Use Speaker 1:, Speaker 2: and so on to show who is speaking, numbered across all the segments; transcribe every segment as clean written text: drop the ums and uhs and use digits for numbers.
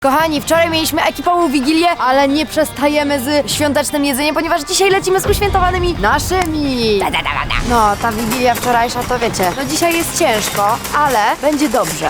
Speaker 1: Kochani, wczoraj mieliśmy ekipową wigilię, ale nie przestajemy z świątecznym jedzeniem, ponieważ dzisiaj lecimy z uświętowanymi naszymi. No, ta wigilia wczorajsza to wiecie, no dzisiaj jest ciężko, ale będzie dobrze.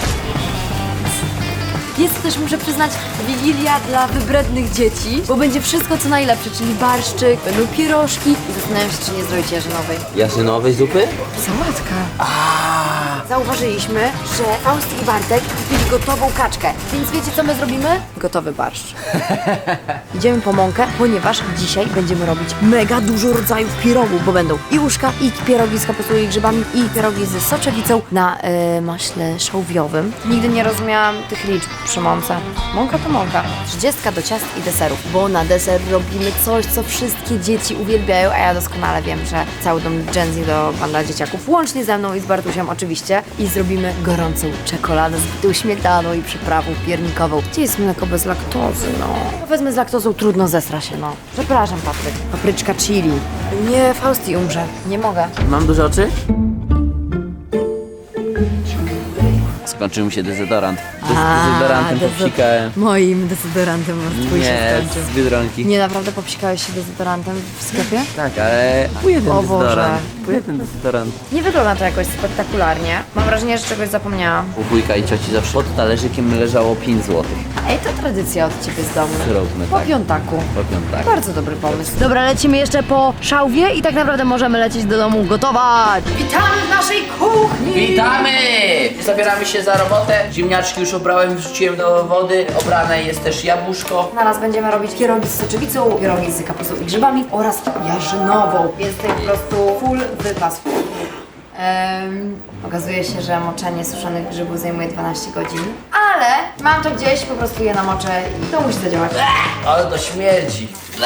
Speaker 1: Jest też, muszę przyznać, wigilia dla wybrednych dzieci, bo będzie wszystko co najlepsze, czyli barszczyk, będą pierożki i zastanawiam się, czy nie zrobić jarzynowej.
Speaker 2: Jarzynowej zupy?
Speaker 1: Sałatka. Zauważyliśmy, że Faust i Bartek kupili gotową kaczkę, więc wiecie co my zrobimy? Gotowy barszcz. Idziemy po mąkę, ponieważ dzisiaj będziemy robić mega dużo rodzajów pierogów, bo będą i łóżka, i pierogi z kapustą i grzybami, i pierogi z soczewicą na maśle szałwiowym. Nigdy nie rozumiałam tych liczb przy mące. Mąka to mąka. 30 do ciast i deserów, bo na deser robimy coś, co wszystkie dzieci uwielbiają, a ja doskonale wiem, że cały dom Gen Z to banda dzieciaków, łącznie ze mną i z Bartusiem oczywiście. I zrobimy gorącą czekoladę z bitą śmietaną i przyprawą piernikową. Gdzie jest mleko bez laktozy, no? Wezmę z laktozą, trudno, zesra się, no. Przepraszam, Patryk. Papryczka chili. Nie, Fausti umrze. Nie mogę.
Speaker 2: Mam duże oczy? Skończył mi się dezodorant. Z dezodorantem popsikałem.
Speaker 1: Moim dezodorantem twój się
Speaker 2: Nie,
Speaker 1: skończył.
Speaker 2: z Biedronki.
Speaker 1: Nie, naprawdę popsikałeś się dezodorantem w sklepie?
Speaker 2: Tak, ale kupuję ten
Speaker 1: O Boże.
Speaker 2: dezodorant. Kupuję ten dezodorant.
Speaker 1: Nie wygląda to jakoś spektakularnie. Mam wrażenie, że czegoś zapomniałam.
Speaker 2: U wujka i cioci zawsze pod talerzykiem leżało 5 zł.
Speaker 1: Ej, to tradycja od ciebie z domu.
Speaker 2: Zróbmy
Speaker 1: Po
Speaker 2: tak.
Speaker 1: piątaku.
Speaker 2: Po piątach.
Speaker 1: Bardzo dobry pomysł. Dobra, lecimy jeszcze po szałwie i tak naprawdę możemy lecieć do domu gotować. Witamy w naszej kuchni!
Speaker 2: Witamy! Zabieramy się za robotę. Ziemniaczki już obrałem, wrzuciłem do wody. Obrane jest też jabłuszko.
Speaker 1: Zaraz będziemy robić pierogi z soczewicą, pierogi z kapustą i grzybami oraz jarzynową. Jest tutaj po prostu full wypas. Okazuje się, że moczenie suszonych grzybów zajmuje 12 godzin, ale mam to gdzieś, po prostu je namoczę i to musi zadziałać.
Speaker 2: Ale to śmierdzi.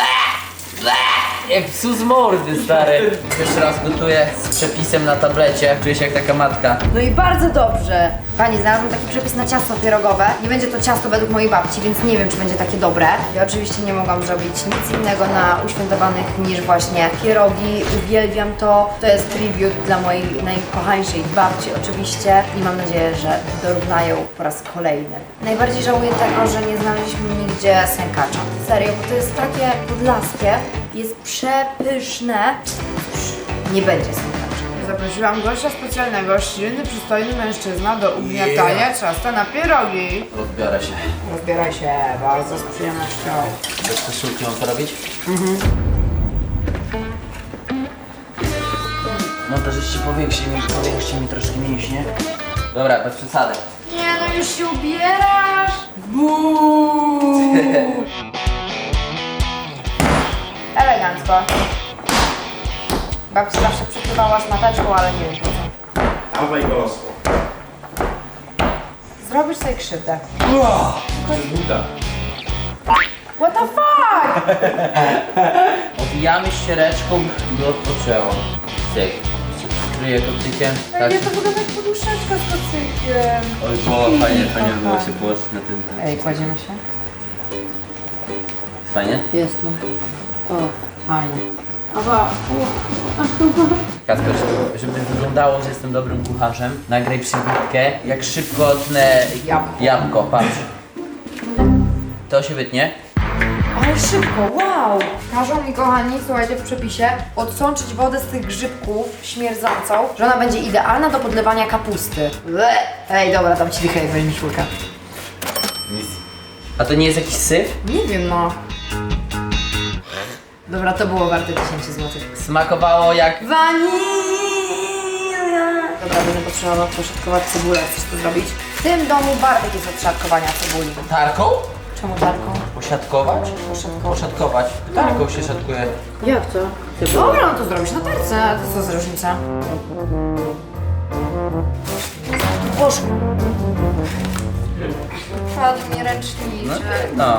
Speaker 2: Jak psu z mordy, stary. Pierwszy raz gotuję z przepisem na tablecie. Czuję się jak taka matka.
Speaker 1: No i bardzo dobrze. Pani, znalazłam taki przepis na ciasto pierogowe. Nie będzie to ciasto według mojej babci, więc nie wiem, czy będzie takie dobre. Ja oczywiście nie mogłam zrobić nic innego na uświętowanych niż właśnie pierogi. Uwielbiam to. To jest tribut dla mojej najkochańszej babci oczywiście i mam nadzieję, że dorównają po raz kolejny. Najbardziej żałuję tego, że nie znaleźliśmy nigdzie sękacza. Serio, bo to jest takie podlaskie, jest przepyszne. Nie będzie sękacza.
Speaker 3: Zaprosiłam gościa specjalnego, silny, przystojny mężczyzna do ugniatania ciasta na pierogi.
Speaker 2: Rozbiorę się.
Speaker 3: Rozbieraj się bardzo z przyjemnością.
Speaker 2: Bez koszulki mam to robić? Montażyści, powiększcie mi troszkę mięśnie. Dobra, bez przesady.
Speaker 1: Nie no, już się ubierasz!
Speaker 3: Elegancko. Babcia zawsze przykrywała szmateczką, ale nie wiem po co.
Speaker 4: Dawaj go.
Speaker 3: Zrobisz sobie krzywdę.
Speaker 4: Buda.
Speaker 3: What the fuck?
Speaker 2: Owijamy ściereczką i odpoczęło. Cyk. Przykryję kocykiem. Tak.
Speaker 3: Nie, to wygląda jak poduszeczka z kocykiem.
Speaker 2: Oj, było fajnie było się położyć na tym.
Speaker 3: Ej, kładziemy się?
Speaker 2: Fajnie?
Speaker 1: Jest no. O, fajnie.
Speaker 2: Kasper, żeby wyglądało, że jestem dobrym kucharzem, nagraj przybitkę, jak szybko tnę jabłko, patrz. To się wytnie.
Speaker 1: Ale szybko, wow! Każą mi, kochani, słuchajcie, w przepisie odsączyć wodę z tych grzybków śmierdzącą, że ona będzie idealna do podlewania kapusty. Ble. Ej, dobra, dam ci dychę, jak weźmiesz łyka.
Speaker 2: A to nie jest jakiś syf?
Speaker 1: Nie wiem, no. Dobra, to było warte 10 zł.
Speaker 2: Smakowało jak...
Speaker 1: Wanilia! Dobra, będę potrzebował poszatkować cebulę. Chcesz to zrobić? W tym domu Bartek jest od szatkowania cebuli.
Speaker 2: Tarką?
Speaker 1: Czemu tarką?
Speaker 2: Poszatkować? Poszatkować. Tarką się szatkuje.
Speaker 1: Jak to? Dobra, no to zrobisz na tarce. A to co za różnica? Poszło. Padł mi ręczniczek.
Speaker 2: No.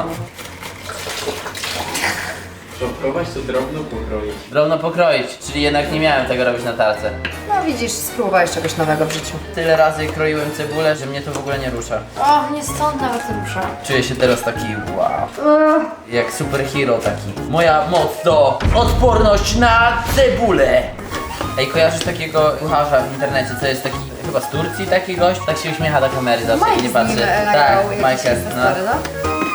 Speaker 4: Szopkować to drobno pokroić.
Speaker 2: Drobno pokroić, czyli jednak nie miałem tego robić na tarce.
Speaker 1: No widzisz, spróbowałeś czegoś nowego w życiu.
Speaker 2: Tyle razy kroiłem cebulę, że mnie to w ogóle nie rusza.
Speaker 1: O, nie stąd nawet rusza.
Speaker 2: Czuję się teraz taki wow. Jak superhero taki. Moja moc to odporność na cebulę. Ej, kojarzysz takiego kucharza w internecie, co jest taki, chyba z Turcji taki gość? Tak się uśmiecha do kamery zawsze i nie patrzy. Tak, Michael, no.
Speaker 1: No.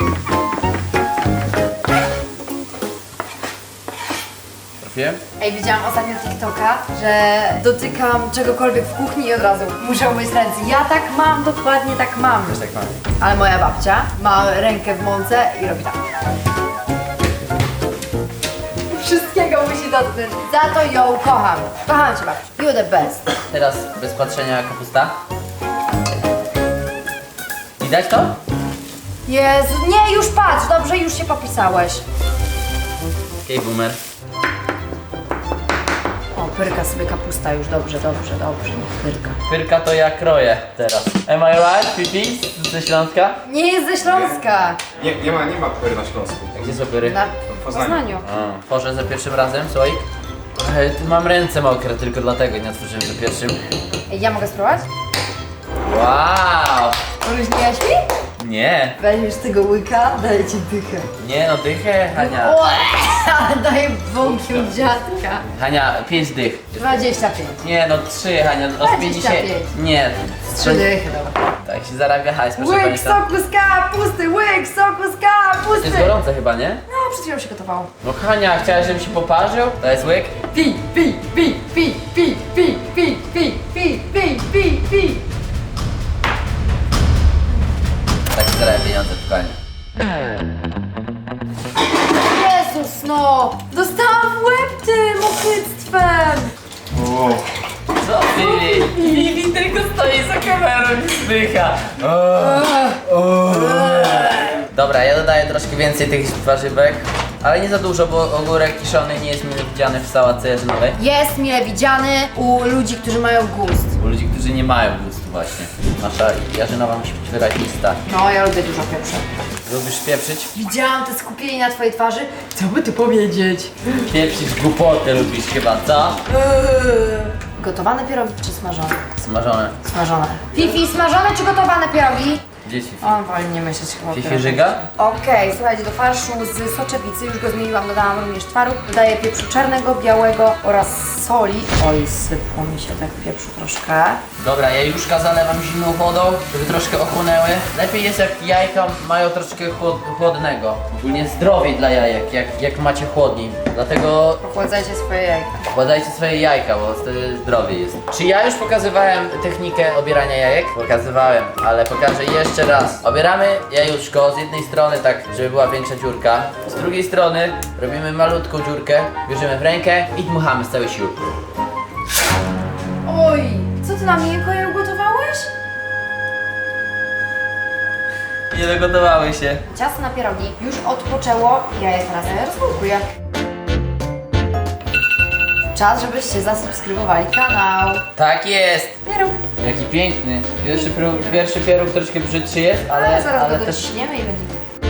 Speaker 2: kupiłem.
Speaker 1: Ej, widziałam ostatnio TikToka, że dotykam czegokolwiek w kuchni i od razu muszę umyć ręce. Ja tak mam, dokładnie tak mam.
Speaker 2: Też tak mam.
Speaker 1: Ale moja babcia ma rękę w mące i robi tak. Wszystkiego musi dotknąć. Za to ją kocham. Kocham cię, babciu. You the best.
Speaker 2: Teraz bez patrzenia kapusta. Widać to?
Speaker 1: Jezu, nie, już patrz, dobrze, już się popisałeś.
Speaker 2: Okej, boomer.
Speaker 1: O, pyrka sobie kapusta już, dobrze, niech pyrka.
Speaker 2: Pyrka to ja kroję teraz. Am I right, Fifi? Ze Śląska?
Speaker 1: Nie jest ze Śląska.
Speaker 4: Nie ma pyry na Śląsku.
Speaker 2: A gdzie są pyry?
Speaker 1: Na
Speaker 4: Poznaniu.
Speaker 1: Poznaniu.
Speaker 2: A, tworzę za pierwszym razem, słoik. Mam ręce mokre, tylko dlatego nie otworzyłem za pierwszym.
Speaker 1: Ej, ja mogę spróbować?
Speaker 2: Wow!
Speaker 1: Uróżniłaś mi?
Speaker 2: Nie,
Speaker 1: Weźmiesz tego łyka, daję ci dychę.
Speaker 2: nie no, dychę, Hania.
Speaker 1: Ale daję bąki od dziadka.
Speaker 2: Hania, 5 dych.
Speaker 1: 25.
Speaker 2: Nie no, 3 Hania, no z 50.
Speaker 1: 25.
Speaker 2: Nie.
Speaker 1: 3 dychy, dobra.
Speaker 2: Tak się zarabia hajs, proszę
Speaker 1: Łyk
Speaker 2: państwa.
Speaker 1: soku z kapusty, łyk soku z kapusty.
Speaker 2: Jest gorące chyba, nie?
Speaker 1: No, przed chwilą się gotowało.
Speaker 2: No Hania, chciałaś, żebym się poparzył? To jest łyk?
Speaker 1: Pi, pi, pi, pi, pi, pi, pi, pi, pi, pi, pi, pi.
Speaker 2: Tak się zarabia pieniądze w konie.
Speaker 1: Jezus, no! Dostałam w łeb tym ochyctwem!
Speaker 2: Co ty? Vivi tylko stoi za kamerą i zdycha. Dobra, ja dodaję troszkę więcej tych warzywek, ale nie za dużo, bo ogórek kiszony nie jest mile widziany w sałatce jarzynowej.
Speaker 1: Jest mile widziany u ludzi, którzy mają gust.
Speaker 2: U ludzi, którzy nie mają gustu właśnie. Nasza jarzynowa musi być wyrazista.
Speaker 1: No, ja lubię dużo pieprzu.
Speaker 2: Lubisz pieprzyć?
Speaker 1: Widziałam te skupienie na twojej twarzy. Co by tu powiedzieć?
Speaker 2: Pieprzyć głupoty lubisz chyba, co?
Speaker 1: Gotowane pierogi czy smażone?
Speaker 2: Smażone.
Speaker 1: Smażone. Fifi, smażone czy gotowane pierogi?
Speaker 2: Dzieci.
Speaker 1: On woli nie myśleć chyba o
Speaker 2: Fifi
Speaker 1: pierogach.
Speaker 2: żyga?
Speaker 1: Okej, słuchajcie, do farszu z soczewicy, już go zmieniłam, dodałam również twaróg. Dodaję pieprzu czarnego, białego oraz soli. Oj, sypło mi się tak pieprzu troszkę.
Speaker 2: Dobra, jajuszka zalewam zimną wodą, żeby troszkę ochłonęły. Lepiej jest jak jajka mają troszkę chłodnego. Ogólnie zdrowiej dla jajek, jak macie chłodniej. Dlatego
Speaker 1: Ochładzajcie swoje jajka.
Speaker 2: podajcie swoje jajka, bo wtedy zdrowiej jest. Czy ja już pokazywałem technikę obierania jajek? Pokazywałem, ale pokażę jeszcze raz. Obieramy jajuszko z jednej strony tak, żeby była większa dziurka. Z drugiej strony robimy malutką dziurkę, bierzemy w rękę i dmuchamy z całej siły.
Speaker 1: Oj, co ty na miękko je ugotowałeś?
Speaker 2: Nie dogotowały się.
Speaker 1: Ciasto na pierogi już odpoczęło, ja je teraz rozwałkuję. Czas, żebyście zasubskrybowali kanał.
Speaker 2: Tak jest!
Speaker 1: Pieróg.
Speaker 2: Jaki piękny. Pierwszy pieróg troszkę brzydszy jest,
Speaker 1: Ale zaraz
Speaker 2: ale
Speaker 1: go
Speaker 2: też
Speaker 1: dociśniemy i będzie.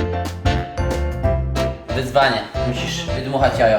Speaker 2: wyzwanie. Musisz wydmuchać jajo.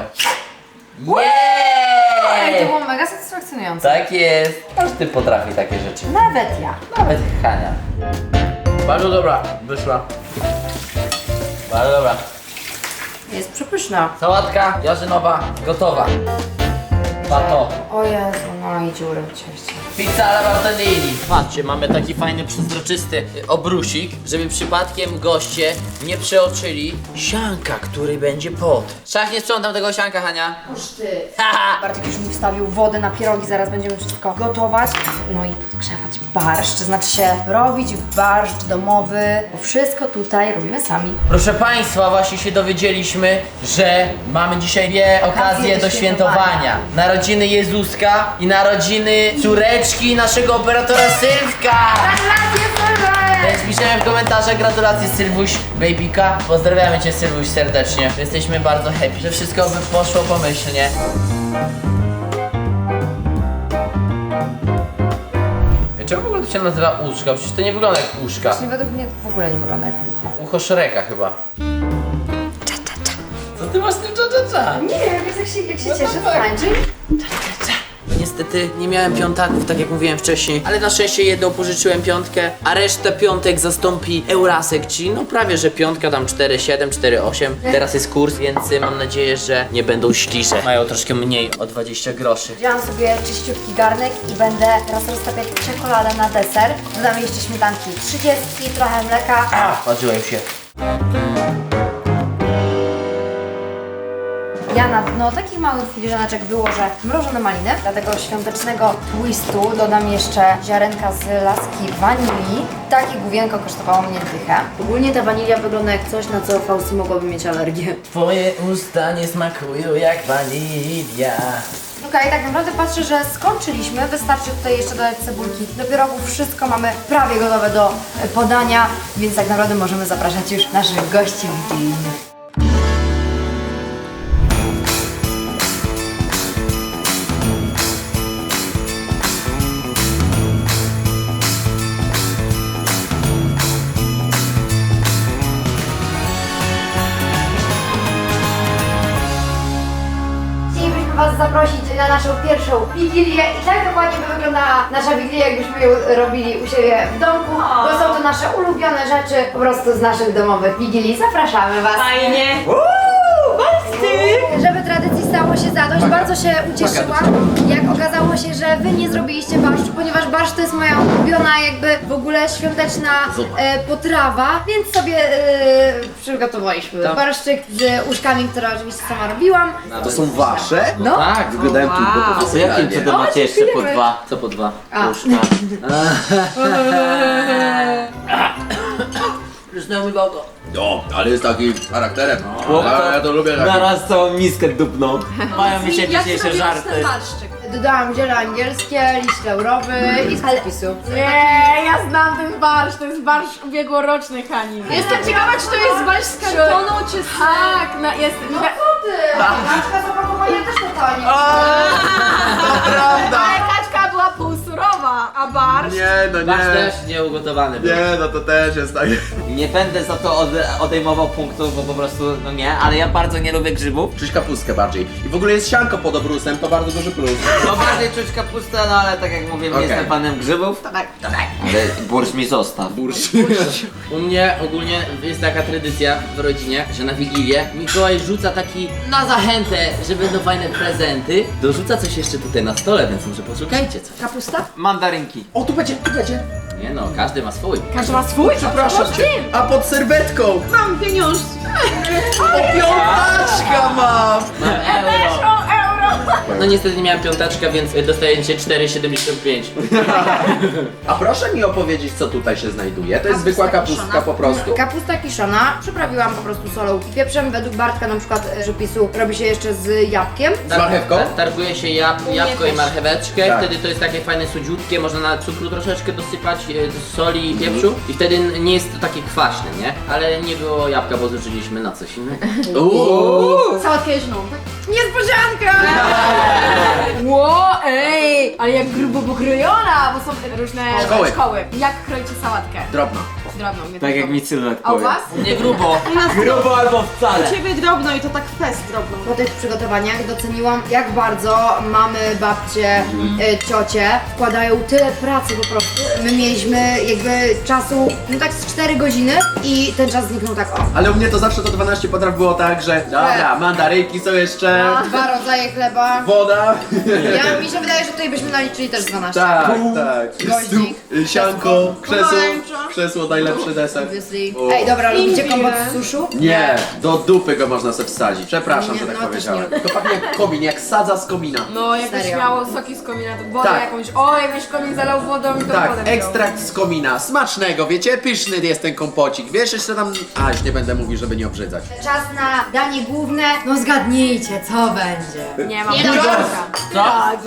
Speaker 1: Ej, to
Speaker 2: Jeee!
Speaker 1: było mega satysfakcjonujące.
Speaker 2: Tak jest. Każdy potrafi takie rzeczy.
Speaker 1: Nawet ja.
Speaker 2: Nawet Hania. Bardzo dobra, wyszła. Bardzo dobra.
Speaker 1: Jest przepyszna.
Speaker 2: Sałatka jarzynowa gotowa. Pato.
Speaker 1: O Jezu, no i dziury w cieście.
Speaker 2: Pizza alla Bartolini. Patrzcie, mamy taki fajny, przezroczysty obrusik, żeby przypadkiem goście nie przeoczyli sianka, który będzie pod. Szach, nie sprzątam tego sianka, Hania.
Speaker 1: Uż ty.
Speaker 2: Haha.
Speaker 1: Bartek już mi wstawił wodę na pierogi, zaraz będziemy wszystko gotować. No i podgrzewać barszcz, to znaczy się robić barszcz domowy, bo wszystko tutaj robimy sami.
Speaker 2: Proszę Państwa, właśnie się dowiedzieliśmy, że mamy dzisiaj dwie okazje do świętowania. Narodziny Jezuska i narodziny córeczki naszego operatora Sylwka. Więc piszemy w komentarzach gratulacje Sylwuś Babyka. Pozdrawiamy Cię Sylwuś serdecznie. Jesteśmy bardzo happy, że wszystko by poszło pomyślnie. Czemu w ogóle to się nazywa uszka? Przecież to nie wygląda jak uszka.
Speaker 1: Właśnie według mnie w ogóle nie wygląda jak ucho.
Speaker 2: Ucho Szreka chyba. Co ty masz z tym cza-cza-cza?
Speaker 1: Nie wiem, jak się cieszę, to tańczy.
Speaker 2: Niestety nie miałem piątaków, tak jak mówiłem wcześniej, ale na szczęście jedną pożyczyłem piątkę, a resztę piątek zastąpi Eurasek, czyli no prawie, że piątka, tam 4,7, 4,8. Teraz jest kurs, więc mam nadzieję, że nie będą śliże. Mają troszkę mniej, o 20 groszy.
Speaker 1: Wziąłam sobie czyściutki garnek i będę teraz roztapiać czekoladę na deser. Dodam jeszcze śmietanki 30, trochę mleka.
Speaker 2: Parzyłem się.
Speaker 1: Ja na dno takich małych filiżaneczek wyłożę mrożone maliny. Dla tego świątecznego twistu dodam jeszcze ziarenka z laski wanilii. Takie główienko kosztowało mnie dychę. Ogólnie ta wanilia wygląda jak coś, na co Fausty mogłaby mieć alergię.
Speaker 2: Twoje usta nie smakują jak wanilia.
Speaker 1: Okej, tak naprawdę patrzę, że skończyliśmy. Wystarczy tutaj jeszcze dodać cebulki do pierogów. Wszystko mamy prawie gotowe do podania, więc tak naprawdę możemy zapraszać już naszych gości wigilijnych. Chcielibyśmy Was zaprosić na naszą pierwszą wigilię i tak dokładnie by wyglądała nasza wigilia, jakbyśmy ją robili u siebie w domku, bo są to nasze ulubione rzeczy po prostu z naszych domowych wigilii. Zapraszamy Was!
Speaker 5: Fajnie.
Speaker 1: Żeby tradycji stało się zadość, bardzo się ucieszyłam, jak okazało się, że Wy nie zrobiliście barszczu, ponieważ barszcz to jest moja ulubiona jakby w ogóle świąteczna potrawa, więc sobie przygotowaliśmy barszczyk z uszkami, które oczywiście sama robiłam.
Speaker 6: To są wasze?
Speaker 1: No.
Speaker 2: Tak,
Speaker 6: Wyglądają tu
Speaker 2: a co jakim cudem macie jeszcze po dwa? Co po dwa?
Speaker 1: A.
Speaker 2: Łóżka. Przysnął mi boko.
Speaker 6: No, ale jest taki charakterem. Ja to lubię.
Speaker 7: Na raz całą miskę dupną.
Speaker 2: Mają mi się dzisiejsze żarty.
Speaker 1: Dodałam ziele angielskie, liść laurowy i z przepisu.
Speaker 5: Nie, ja znam ten barszcz, to jest barszcz ubiegłoroczny, Hani. Jestem ciekawa, czy to jest barszcz z kartonu, czy z... Tak, no jest...
Speaker 1: Kaczka z opakowania też to tani.
Speaker 5: Ale kaczka była półsurowa, a barszcz...
Speaker 6: Nie, no
Speaker 2: Masz
Speaker 6: nie.
Speaker 2: też nieugotowany był.
Speaker 6: Nie, no to też jest tak.
Speaker 7: Nie będę za to odejmował punktów, bo po prostu, no nie, ale ja bardzo nie lubię grzybów.
Speaker 6: Czuć kapustkę bardziej. I w ogóle jest sianko pod obrusem, to bardzo duży plus.
Speaker 7: No bardziej czuć kapustę, no ale tak jak mówię, nie
Speaker 6: Okej.
Speaker 7: jestem fanem grzybów.
Speaker 5: tak.
Speaker 7: Ale bursz mi zostaw.
Speaker 2: U mnie ogólnie jest taka tradycja w rodzinie, że na Wigilię Mikołaj rzuca taki na zachętę, że będą fajne prezenty. Dorzuca coś jeszcze tutaj na stole, więc może poszukajcie coś.
Speaker 1: Kapusta?
Speaker 7: Mandarynki.
Speaker 6: O, tu będzie, tu będzie.
Speaker 2: Nie no, każdy ma swój.
Speaker 5: Każdy ma swój?
Speaker 6: Przepraszam cię. A pod serwetką.
Speaker 5: Mam pieniądze.
Speaker 6: O, piątaczka mam.
Speaker 2: Mam euro.
Speaker 5: Euro.
Speaker 2: No niestety nie miałem piąteczka, więc dostajecie 4,75.
Speaker 6: A proszę mi opowiedzieć, co tutaj się znajduje. To jest zwykła kapustka po prostu.
Speaker 1: Kapusta kiszona, przyprawiłam po prostu solą i pieprzem. Według Bartka na przykład przepisu robi się jeszcze z jabłkiem.
Speaker 6: Z marchewką?
Speaker 2: Targuje się jabłko i marcheweczkę,
Speaker 6: Tak.
Speaker 2: wtedy to jest takie fajne słodziutkie, można na cukru troszeczkę dosypać, soli i pieprzu i wtedy nie jest to takie kwaśne, nie? Ale nie było jabłka, bo zużyliśmy na coś innego.
Speaker 5: Sałatkę jeżną. Niespodzianka! Ło, ej! Ale jak grubo pokrojona, bo są różne
Speaker 6: Szkoły.
Speaker 5: Jak kroicie sałatkę?
Speaker 6: Drobno.
Speaker 5: Drobną. mnie
Speaker 7: Tak
Speaker 5: tylko.
Speaker 7: jak mi Sylwek
Speaker 5: A u
Speaker 7: powie.
Speaker 5: was?
Speaker 2: Nie grubo.
Speaker 7: Grubo albo wcale.
Speaker 5: Ciebie drobno i to tak fest drobną.
Speaker 1: Po tych przygotowaniach doceniłam, jak bardzo mamy, babcie, ciocie wkładają tyle pracy po prostu. My mieliśmy jakby czasu, no tak z 4 godziny i ten czas zniknął tak o.
Speaker 6: Ale u mnie to zawsze to 12 potraw było tak, że dobra, mandarynki są jeszcze,
Speaker 1: 2 rodzaje chleba.
Speaker 6: woda.
Speaker 1: Mi się wydaje, że tutaj byśmy naliczyli też 12.
Speaker 6: Tak, tak.
Speaker 1: Goździk.
Speaker 6: Sianko, krzesło,
Speaker 5: Pomarańcza.
Speaker 6: krzesło, najlepszy deser.
Speaker 1: Obviously.
Speaker 6: O.
Speaker 1: Ej, dobra, lubicie
Speaker 5: Imbir.
Speaker 1: kompot z suszu?
Speaker 6: Nie, do dupy go można sobie wsadzić. Przepraszam,
Speaker 1: Nie,
Speaker 6: że tak
Speaker 1: no, też
Speaker 6: powiedziałem. To pachnie jak komin, jak sadza z komina.
Speaker 5: No, jakbyś
Speaker 1: Serio.
Speaker 5: miało soki z komina, to wodę
Speaker 6: Tak.
Speaker 5: jakąś. O, jakbyś komin zalał wodą i to
Speaker 6: Tak,
Speaker 5: wodę wziął.
Speaker 6: ekstrakt z komina. Smacznego, wiecie? Pyszny jest ten kompocik. Wiesz, jeszcze tam... A, już nie będę mówił, żeby nie obrzydzać.
Speaker 1: Czas na danie główne. No zgadnijcie, co będzie.
Speaker 5: Nie mam.
Speaker 2: Co?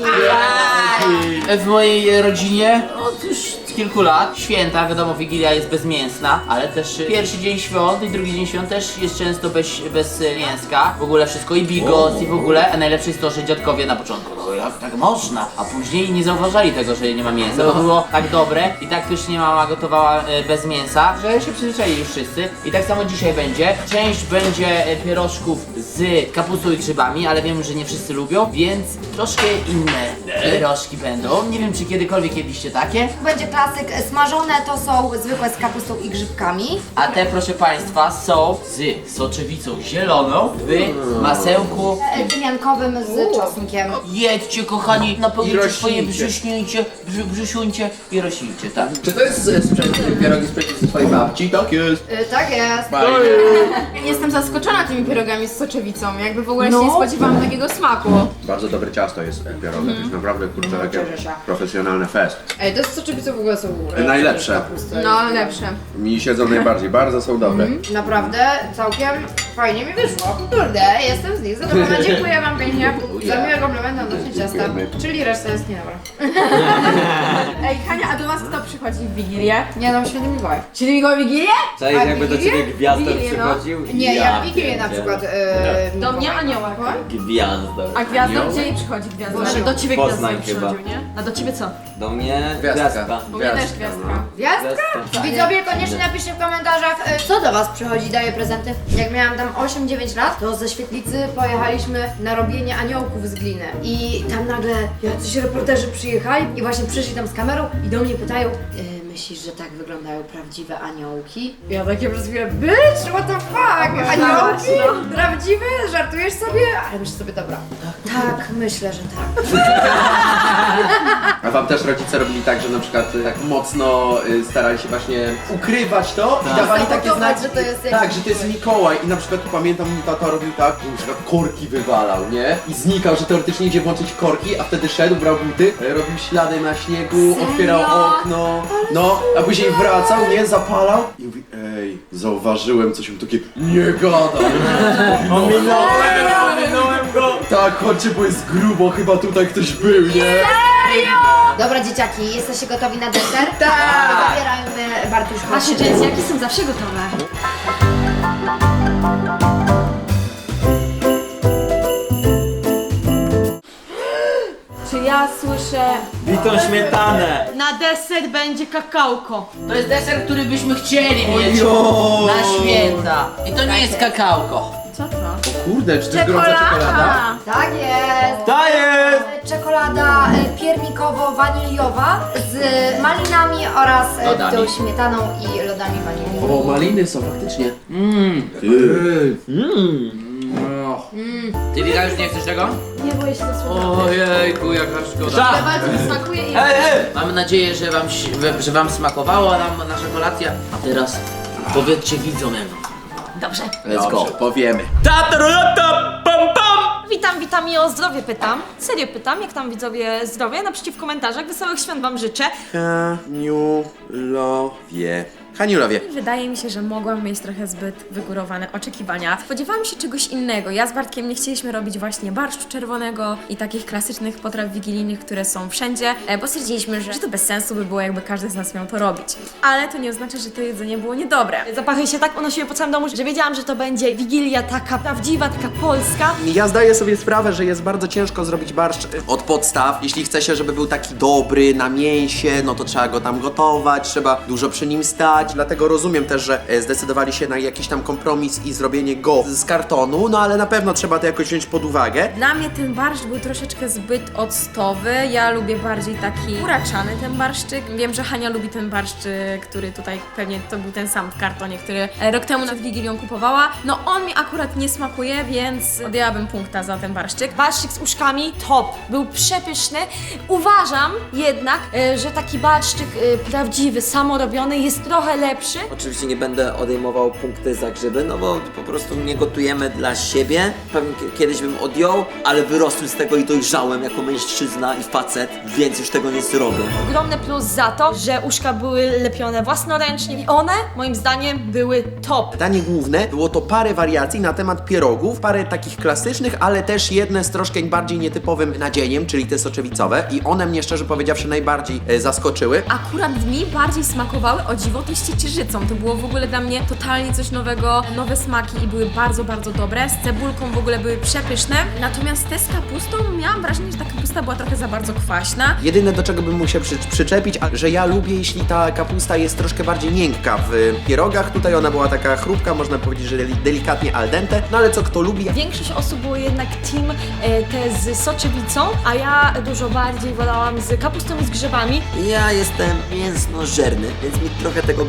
Speaker 2: W mojej rodzinie od już kilku lat święta, wiadomo, Wigilia jest bezmięsna, ale też pierwszy dzień świąt i drugi dzień świąt też jest często bez mięska. W ogóle wszystko i bigos i w ogóle, a najlepsze jest to, że dziadkowie na początku, no jak tak można, a później nie zauważali tego, że nie ma mięsa, bo było tak dobre i tak pysznie mama gotowała bez mięsa, że się przyzwyczaili już wszyscy. I tak samo dzisiaj będzie. Część będzie pierożków z kapustą i grzybami, ale wiem, że nie wszyscy lubią, więc troszkę inne pierożki będą. Nie wiem, czy kiedykolwiek jedliście takie.
Speaker 1: Będzie klasyk. Smażone to są zwykłe z kapustą i grzybkami.
Speaker 2: A te, proszę Państwa, są z soczewicą zieloną w masełku.
Speaker 1: Tymiankowym z czosnkiem.
Speaker 2: jedzcie, kochani, napełnijcie
Speaker 6: I
Speaker 2: swoje
Speaker 6: rośnijcie.
Speaker 2: brzusiuncie i rośnijcie, tak?
Speaker 6: Czy to jest pierogi z twojej babci? Tak jest.
Speaker 3: Tak jest.
Speaker 5: Jestem zaskoczona tymi pierogami z soczewicą. Jakby w ogóle się
Speaker 1: No.
Speaker 5: nie spodziewałam takiego smaku.
Speaker 6: Bardzo dobre ciasto jest pierogi. To jest naprawdę, kurczę, takie
Speaker 3: cieszę się.
Speaker 6: profesjonalne fest.
Speaker 3: Ej, te soczewice w ogóle są
Speaker 6: Najlepsze.
Speaker 3: kapusty.
Speaker 5: No, lepsze.
Speaker 6: Mi siedzą najbardziej, bardzo są dobre.
Speaker 3: Naprawdę całkiem fajnie mi wyszło. Kurde, jestem z nich zadowolona. Dziękuję wam pięknie za miłe komplementy odnośnie ciasta.
Speaker 6: Dziękujemy.
Speaker 3: Czyli reszta jest niedobra.
Speaker 5: Ej, Hania, a do was kto przychodzi w Wigilię?
Speaker 3: Nie, no święty Mikołaj.
Speaker 5: Czyli Mikołaj Wigilię?
Speaker 7: Cześć,
Speaker 3: A
Speaker 7: jakby do
Speaker 3: Wigilię?
Speaker 7: ciebie gwiazdor
Speaker 5: Wigilię, no.
Speaker 7: przychodził?
Speaker 3: Nie, ja w Wigilię na
Speaker 7: pierdzielę.
Speaker 3: przykład.
Speaker 5: Do mnie
Speaker 3: Mikołaj.
Speaker 5: anioła.
Speaker 7: Gwiazdor.
Speaker 5: A gwiazdor gdzie jej przychodzi gwiazdor?
Speaker 3: Boże,
Speaker 5: Do ciebie
Speaker 7: Poznań
Speaker 5: gwiazdor
Speaker 7: chyba.
Speaker 5: przychodził, nie? A do ciebie co?
Speaker 7: Do mnie
Speaker 6: Gwiazdka.
Speaker 7: gwiazdka.
Speaker 5: Bo mnie też gwiazdka.
Speaker 3: Gwiazdka? Widzowie, koniecznie napiszcie w komentarzach, co do was przychodzi, daje prezenty. Jak miałam tam 8-9 lat, to ze świetlicy pojechaliśmy na robienie aniołków z gliny. I tam nagle jacyś reporterzy przyjechali i właśnie przyszli tam z kamerą i do mnie pytają, myślisz, że tak wyglądają prawdziwe aniołki? Ja takie przez chwilę, bitch, what the fuck? Aniołki? Prawdziwe? Żartujesz sobie? Ale myślę sobie, dobra. Tak, myślę, że tak.
Speaker 6: A wam też rodzice robili tak, że na przykład tak mocno starali się właśnie ukrywać to i dawali takie
Speaker 3: Sabotować,
Speaker 6: znaki,
Speaker 3: że to jest jakiś
Speaker 6: tak, że to jest Mikołaj i na przykład pamiętam, mój tata robił tak, że na przykład korki wywalał, nie? I znikał, że teoretycznie idzie włączyć korki, a wtedy szedł, brał buty, robił ślady na śniegu, otwierał okno, no, a później wracał, nie? Zapalał i mówi, ej, zauważyłem coś, mu takie, nie gadaj.
Speaker 7: Ominąłem go!
Speaker 6: Tak, chodźcie, bo jest grubo, chyba tutaj ktoś był, nie?
Speaker 3: Dobra dzieciaki, jesteście gotowi na deser? Tak! Zabierajmy Bartuszka.
Speaker 5: Wasze dzieciaki są zawsze gotowe. Czy ja słyszę...
Speaker 7: Bitą śmietanę!
Speaker 5: Na deser będzie kakałko.
Speaker 2: To jest deser, który byśmy chcieli mieć na święta. I to nie jest kakałko.
Speaker 5: Co to?
Speaker 6: Kurde, czy to jest gorąca czekolada?
Speaker 3: Tak jest!
Speaker 7: To jest!
Speaker 3: Czekolada piernikowo-waniliowa z malinami oraz
Speaker 2: Lodami.
Speaker 3: tą śmietaną i lodami wanilii.
Speaker 6: O, maliny są faktycznie.
Speaker 2: Ty Wika już nie chcesz tego?
Speaker 5: Nie boję się za słowa.
Speaker 2: Ojejku, jaka szkoda.
Speaker 7: Tak.
Speaker 5: Bardzo mi smakuje i...
Speaker 2: Mam nadzieję, że wam smakowało nam nasza kolacja. A teraz powiedzcie widzom jak wam.
Speaker 5: Dobrze.
Speaker 6: Let's go, powiemy.
Speaker 8: Witam i o zdrowie pytam. Serio pytam, jak tam widzowie zdrowie? Napiszcie w komentarzach. Wesołych świąt wam życzę.
Speaker 6: Haniulowie. Haniulowie.
Speaker 8: Wydaje mi się, że mogłam mieć trochę zbyt wygórowane oczekiwania. Spodziewałam się czegoś innego. Ja z Bartkiem nie chcieliśmy robić właśnie barszczu czerwonego i takich klasycznych potraw wigilijnych, które są wszędzie, bo stwierdziliśmy, że to bez sensu by było, jakby każdy z nas miał to robić. Ale to nie oznacza, że to jedzenie było niedobre. Zapachy się tak unosiły po całym domu, że wiedziałam, że to będzie wigilia taka prawdziwa, taka polska.
Speaker 6: Ja zdaję sobie sprawę, że jest bardzo ciężko zrobić barszcz od podstaw. Jeśli chce się, żeby był taki dobry na mięsie, no to trzeba go tam gotować, trzeba dużo przy nim stać. Dlatego rozumiem też, że zdecydowali się na jakiś tam kompromis i zrobienie go z kartonu, no ale na pewno trzeba to jakoś wziąć pod uwagę.
Speaker 8: Dla mnie ten barszcz był troszeczkę zbyt octowy. Ja lubię bardziej taki uraczany ten barszczyk. Wiem, że Hania lubi ten barszcz, który tutaj pewnie to był ten sam w kartonie, który rok temu nad Wigilią kupowała. No on mi akurat nie smakuje, więc odjęłabym punkta za ten barszczyk. Barszczyk z uszkami top, był przepyszny. Uważam jednak, że taki barszczyk prawdziwy, samorobiony jest trochę lepszy.
Speaker 7: Oczywiście nie będę odejmował punkty za grzyby, no bo po prostu nie gotujemy dla siebie. Pewnie kiedyś bym odjął, ale wyrosłem z tego i dojrzałem jako mężczyzna i facet, więc już tego nie zrobię.
Speaker 8: Ogromny plus za to, że uszka były lepione własnoręcznie i one, moim zdaniem, były top.
Speaker 6: Danie główne było to parę wariacji na temat pierogów, parę takich klasycznych, ale też jedne z troszkę bardziej nietypowym nadzieniem, czyli te soczewicowe i one mnie szczerze powiedziawszy najbardziej zaskoczyły.
Speaker 8: Akurat mi bardziej smakowały, o dziwo, to z ciecierzycą. To było w ogóle dla mnie totalnie coś nowego, nowe smaki i były bardzo, bardzo dobre. Z cebulką w ogóle były przepyszne. Natomiast te z kapustą miałam wrażenie, że ta kapusta była trochę za bardzo kwaśna.
Speaker 6: Jedyne do czego bym mógł się przyczepić, że ja lubię, jeśli ta kapusta jest troszkę bardziej miękka w pierogach. Tutaj ona była taka chrupka, można powiedzieć, że delikatnie al dente, no ale co kto lubi.
Speaker 8: Większość osób było jednak team te z soczewicą, a ja dużo bardziej wolałam z kapustą i z grzybami.
Speaker 7: Ja jestem mięsnożerny, więc mi trochę tego brakuje.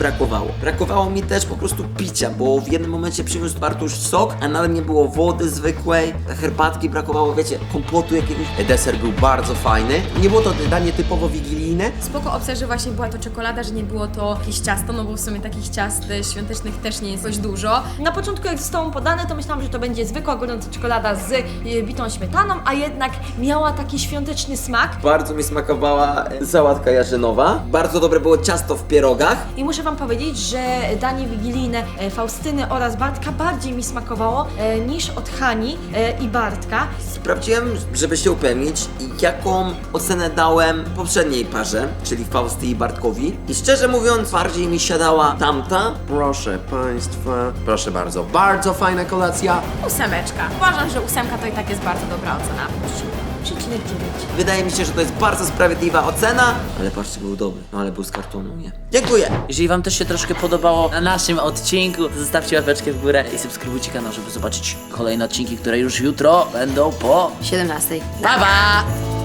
Speaker 7: brakowało. Brakowało mi też po prostu picia, bo w jednym momencie przyniósł Bartuś sok, a nawet nie było wody zwykłej, herbatki brakowało, wiecie, kompotu jakiegoś. Deser był bardzo fajny. Nie było to danie typowo wigilijne.
Speaker 8: Spoko opcja, że właśnie była to czekolada, że nie było to jakieś ciasto, no bo w sumie takich ciast świątecznych też nie jest dość dużo.
Speaker 9: Na początku jak zostało podane, to myślałam, że to będzie zwykła gorąca czekolada z bitą śmietaną, a jednak miała taki świąteczny smak.
Speaker 7: Bardzo mi smakowała sałatka jarzynowa. Bardzo dobre było ciasto w pierogach.
Speaker 9: I muszę wam powiedzieć, że danie wigilijne Faustyny oraz Bartka bardziej mi smakowało niż od Hani i Bartka.
Speaker 7: Sprawdziłem, żeby się upewnić, jaką ocenę dałem poprzedniej parze, czyli Fausty i Bartkowi. I szczerze mówiąc, bardziej mi siadała tamta.
Speaker 6: Proszę Państwa, proszę bardzo, bardzo fajna kolacja.
Speaker 8: 8. Uważam, że 8 to i tak jest bardzo dobra ocena.
Speaker 9: 3,9.
Speaker 7: Wydaje mi się, że to jest bardzo sprawiedliwa ocena. Ale patrzcie, był dobry, no ale był z kartonu, nie? Dziękuję!
Speaker 2: Jeżeli wam też się troszkę podobało na naszym odcinku, zostawcie łapeczkę w górę i subskrybujcie kanał, żeby zobaczyć kolejne odcinki, które już jutro będą po
Speaker 1: 17.
Speaker 2: Pa, pa!